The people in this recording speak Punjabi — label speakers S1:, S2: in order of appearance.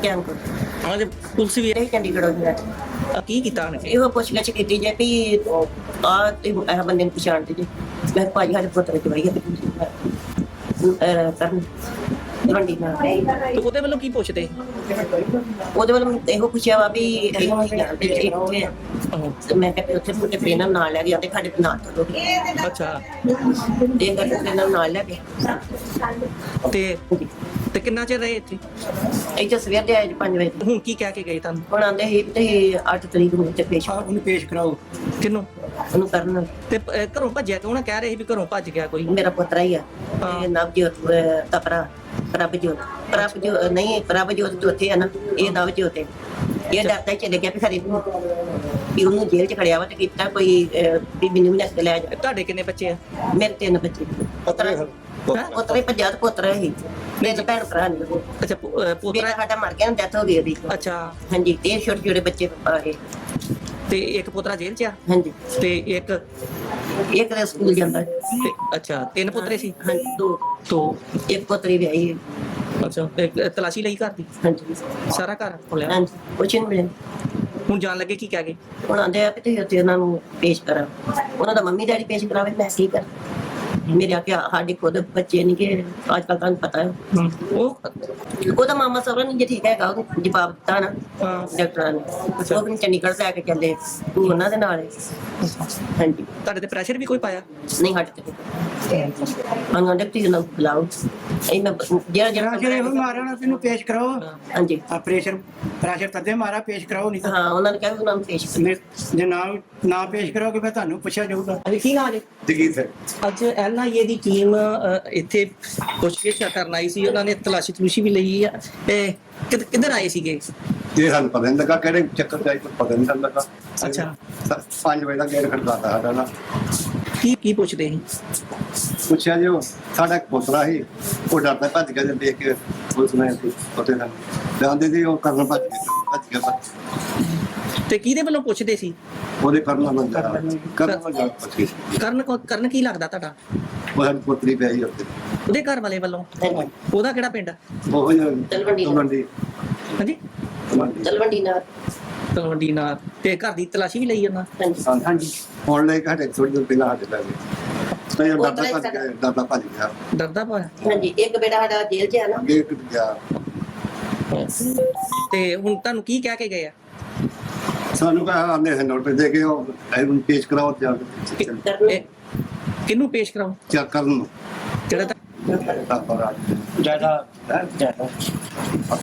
S1: ਧਿਆਨ ਕਰੋ।
S2: ਹਾਂ ਤੇ ਪੁਲਿਸ ਵੀ
S1: ਇਹ ਚੰਡੀਗੜ੍ਹ ਹੋ ਗਿਆ
S2: ਕੀ ਕੀਤਾ ਉਹਨੇ?
S1: ਇਹੋ ਪੁੱਛਗਿੱਛ ਕੀਤੀ ਜੇ ਵੀ ਆ ਤੇ ਇਹ ਬੰਦੇ ਨੂੰ ਪਛਾਣਦੇ ਜੇ। ਮੈਂ ਭਾਜੀ ਸਾਡੇ ਪੁੱਤਰ ਦੀ ਵਾਰੀ ਕਰਨ ਤਲਵੰਡੀ ਨਾਲ
S2: ਤੇ ਉਹਦੇ ਵੱਲੋਂ ਕੀ ਪੁੱਛਦੇ?
S1: ਉਹਦੇ ਵੱਲ ਇਹੋ ਪੁੱਛਿਆ ਵਾ ਵੀ ਇਹਨੂੰ ਅਸੀਂ ਜਾਣਦੇ ਜੇ ਕਿੱਥੇ ਆ। ਤੇ ਮੈਂ ਕਿਹਾ ਵੀ ਉੱਥੇ ਮੁੰਡੇ ਟ੍ਰੇਨਰ ਨਾਲ ਲੈ ਕੇ ਜਾਂਦੇ ਸਾਡੇ ਨਾਲ ਚਲੋ
S2: ਅੱਛਾ
S1: ਇਹ ਕਰਕੇ ਟ੍ਰੇਨਰ ਨਾਲ ਲੈ ਕੇ
S2: ਤੇ ਕਿੰਨਾ ਚਿਰ ਰਹੇ ਇੱਥੇ?
S1: ਇੱਥੇ ਸਵੇਰ ਦੇ ਆਏ ਜੀ 5 ਵਜੇ।
S2: ਹੁਣ ਕੀ ਕਹਿ ਕੇ ਗਏ ਤੁਹਾਨੂੰ?
S1: ਹੁਣ ਆਉਂਦੇ ਸੀ ਤੇ 8 ਤਰੀਕ ਨੂੰ ਇੱਥੇ ਪੇਸ਼
S3: ਉਹਨੂੰ ਪੇਸ਼ ਕਰਾਓ।
S2: ਕਿਹਨੂੰ?
S1: ਉਹਨੂੰ ਕਰਨ
S2: ਤੇ ਘਰੋਂ ਭੱਜਿਆ ਕਿਉਂ ਨਾ? ਕਹਿ ਰਹੇ ਸੀ ਵੀ ਘਰੋਂ ਭੱਜ ਗਿਆ ਕੋਈ।
S1: ਮੇਰਾ ਪੁੱਤਰਾ ਹੀ ਆ
S2: ਹਾਂ।
S1: ਇਹ ਨਵਜੋਤ ਤਪਰਾ ਪ੍ਰਭਜੋਤ ਨਹੀਂ ਪ੍ਰਭਜੋਤ ਚੌਥੇ ਆ ਨਾ, ਇਹ ਨਵਜੋਤ ਹੈ। ਇਹ ਡਰਦਾ ਹੀ ਚਲੇ ਗਿਆ ਵੀ ਖਰੇ ਵੀ ਉਹਨੂੰ ਜੇਲ੍ਹ ਚ ਖੜਿਆ ਵਾ ਤੇ ਕੀਤਾ ਕੋਈ ਵੀ ਮੈਨੂੰ ਵੀ ਲੈ ਕੇ ਲੈ ਜਾ।
S2: ਤੁਹਾਡੇ ਕਿੰਨੇ ਬੱਚੇ ਆ?
S1: ਮੇਰੇ 3 ਬੱਚੇ ਪੁੱਤਰਾ ਹੀ ਪੰਜਾਹ ਪੁੱਤਰਾ ਹੀ ਮੇਰੇ ਭੈਣ ਭਰਾ ਨੇ।
S2: ਅੱਛਾ ਪੋਤਰਾ।
S1: ਮੇਰਾ ਸਾਡਾ ਮਰ ਗਿਆ, ਡੈਥ ਹੋ ਗਈ ਉਹਦੀ।
S2: ਅੱਛਾ
S1: ਹਾਂਜੀ ਤੇ ਛੋਟੇ ਛੋਟੇ ਬੱਚੇ ਆ ਇਹ।
S2: ਤੇ ਇੱਕ ਪੋਤਰਾ ਜੇਲ੍ਹ 'ਚ ਆ
S1: ਹਾਂਜੀ
S2: ਤੇ ਇੱਕ
S1: ਇੱਕ ਦੇ ਸਕੂਲ ਜਾਂਦਾ।
S2: ਤੇ ਅੱਛਾ 3 ਪੁੱਤਰੇ ਸੀ?
S1: ਹਾਂਜੀ 2
S2: ਤੋਂ
S1: ਇੱਕ ਪੁੱਤਰੀ ਵਿਆਹੀ ਹੈ।
S2: ਅੱਛਾ ਤੇ ਤਲਾਸ਼ੀ ਲਈ ਘਰ ਦੀ?
S1: ਹਾਂਜੀ
S2: ਸਾਰਾ ਘਰ ਖੋਲਿਆ?
S1: ਹਾਂਜੀ ਕੁਛ ਨਹੀਂ ਮਿਲਿਆ।
S2: ਹੁਣ ਜਾਣ ਲੱਗੇ ਕੀ ਕਹਿ ਗਏ?
S1: ਹੁਣ ਆਂਦੇ ਆ ਕਿ ਤੁਸੀਂ ਉੱਥੇ ਉਹਨਾਂ ਨੂੰ ਪੇਸ਼ ਕਰਾਂ। ਉਹਨਾਂ ਦਾ ਮੰਮੀ ਡੈਡੀ ਪੇਸ਼ ਕਰਾਵੇ, ਮੈਂ ਕੀ ਕਰ। ਮੇਰੇ ਆਖਿਆ ਸਾਡੇ ਖੁਦ ਬੱਚੇ ਨਹੀਂ ਕਿ ਅੱਜ ਕੱਲ ਤੁਹਾਨੂੰ ਪਤਾ ਹੈ ਉਹਦਾ ਮਾਮਾ ਸਹੁਰਾ ਨਹੀਂ ਜੇ ਠੀਕ ਹੈਗਾ, ਉਹਨੂੰ ਜਵਾਬ ਦਿੱਤਾ ਨਾ ਡਾਕਟਰਾਂ ਨੇ। ਉਹ ਵੀ ਚੰਡੀਗੜ੍ਹ ਲੈ ਕੇ ਚੱਲੇ, ਤੂੰ ਉਹਨਾਂ ਦੇ ਨਾਲ ਹੈ। ਹਾਂਜੀ
S2: ਤੁਹਾਡੇ ਤੇ ਪ੍ਰੈਸ਼ਰ ਵੀ ਕੋਈ ਪਾਇਆ?
S1: ਨਹੀਂ ਹਟ ਤੇ ਉਹਨਾਂ ਦੇ ਤੁਸੀਂ ਉਹਨਾਂ ਨੂੰ ਬੁਲਾਓ। ਇਹ ਮੈਂ ਜਿਹੜਾ
S3: ਜਿਹੜੇ ਉਹ ਮਾਰਿਆ ਨਾ ਤੈਨੂੰ ਪੇਸ਼ ਕਰਾਓ।
S1: ਹਾਂਜੀ
S3: ਆ ਪ੍ਰੈਸ਼ਰ ਤਦੇ ਮਾਰਾ, ਪੇਸ਼ ਕਰਾਓ ਨਹੀਂ ਤਾਂ
S1: ਹਾਂ ਉਹਨਾਂ ਨੇ ਕਿਹਾ ਵੀ ਉਹਨਾਂ ਨੂੰ ਪੇਸ਼ ਕਰੋ।
S3: ਜੇ ਨਾ ਪੇਸ਼ ਕਰੋਗੇ ਫਿਰ ਤੁਹਾਨੂੰ ਪੁੱਛਿਆ ਜਾਊਗਾ।
S2: ਕੀ ਨਾਮ ਹੈ?
S4: ਜਗੀਰ ਸਿੰਘ।
S2: ਅੱਜ ਐਨਆਈਏ ਦੀ ਟੀਮ ਇੱਥੇ ਪੁੱਛਗਿੱਛ ਕਰਨ ਆਈ ਸੀ। ਉਹਨਾਂ ਨੇ ਤਲਾਸ਼ੀ ਵੀ ਲਈ ਆ। ਤੇ ਕਿੱਧਰ ਆਏ ਸੀਗੇ?
S4: ਇਹ ਸਾਨੂੰ ਪਤਾ ਨਹੀਂ ਲੱਗਾ ਕਿਹੜੇ ਚੱਕਰ ਚ ਆਈ, ਪਤਾ ਨਹੀਂ ਲੱਗਾ।
S2: ਅੱਛਾ
S4: 5 ਵਜੇ ਦਾ ਗੇਟ ਖੜਕਾਤਾ ਸਾਡਾ ਨਾ।
S2: ਕੀ ਪੁੱਛਦੇ ਸੀ?
S4: ਪੁੱਛਿਆ ਜੀ ਉਹ ਸਾਡਾ ਇੱਕ ਪੁੱਤਰਾ ਸੀ, ਉਹ ਡਰਦਾ ਭੱਜ ਗਿਆ। ਜੇ ਦੇਖ ਕੇ ਪੁਲਿਸ ਨੇ ਉੱਥੇ ਦਾ ਜਾਂਦੇ ਸੀ, ਉਹ ਕਰਨ ਭੱਜ ਗਿਆ।
S2: ਤੇ ਕਿਹਦੇ ਵੱਲੋਂ ਪੁੱਛਦੇ ਸੀ?
S4: ਉਹਦੇ ਕਰਨ ਨਾਲ ਪੁੱਛ ਗਈ।
S2: ਕਰਨ ਕੀ ਲੱਗਦਾ ਤੁਹਾਡਾ?
S4: ਉਹ ਸਾਡੀ ਪੁੱਤਰੀ ਪਈ ਸੀ ਉੱਥੇ,
S2: ਉਹਦੇ ਘਰ ਵਾਲੇ ਵੱਲੋਂ? ਉਹਦਾ ਕਿਹੜਾ ਪਿੰਡ?
S4: ਉਹ
S1: ਤਲਵੰਡੀ।
S2: ਹਾਂਜੀ
S1: ਤਲਵੰਡੀ ਨਾਲ।
S2: ਤਲਵੰਡੀ ਨਾਲ। ਤੇ ਘਰ ਦੀ ਤਲਾਸ਼ੀ ਵੀ ਲਈ ਉਹਨਾਂ?
S4: ਹਾਂਜੀ ਹੁਣ ਲੈ ਕੇ ਥੋੜੀ ਦੇਰ ਪਹਿਲਾਂ ਸਾਡੇ ਲੈ ਗਏ ਤੇ ਡਰਦਾ ਭੱਜ ਗਿਆ।
S2: ਡਰਦਾ ਪਿਆ?
S1: ਹਾਂਜੀ ਇੱਕ ਬੇਟਾ ਸਾਡਾ ਜੇਲ੍ਹ 'ਚ ਆ ਨਾ।
S4: ਗੇਟ ਗਿਆ।
S2: ਤੇ ਹੁਣ ਤੁਹਾਨੂੰ ਕੀ ਕਹਿ ਕੇ ਗਏ ਆ?
S4: ਸਾਨੂੰ ਕਹਾ ਆਂਦੇ ਹੈ ਨੋਟ ਦੇ ਕੇ ਉਹ ਇਹਨੂੰ ਪੇਸ਼ ਕਰਾਓ ਜਾ ਕੇ
S2: ਕਿਹਨੂੰ ਪੇਸ਼ ਕਰਾਓ?
S4: ਚੈੱਕ ਕਰਨ ਨੂੰ
S2: ਜਿਹੜਾ
S4: ਤਾਂ
S3: ਜਿਆਦਾ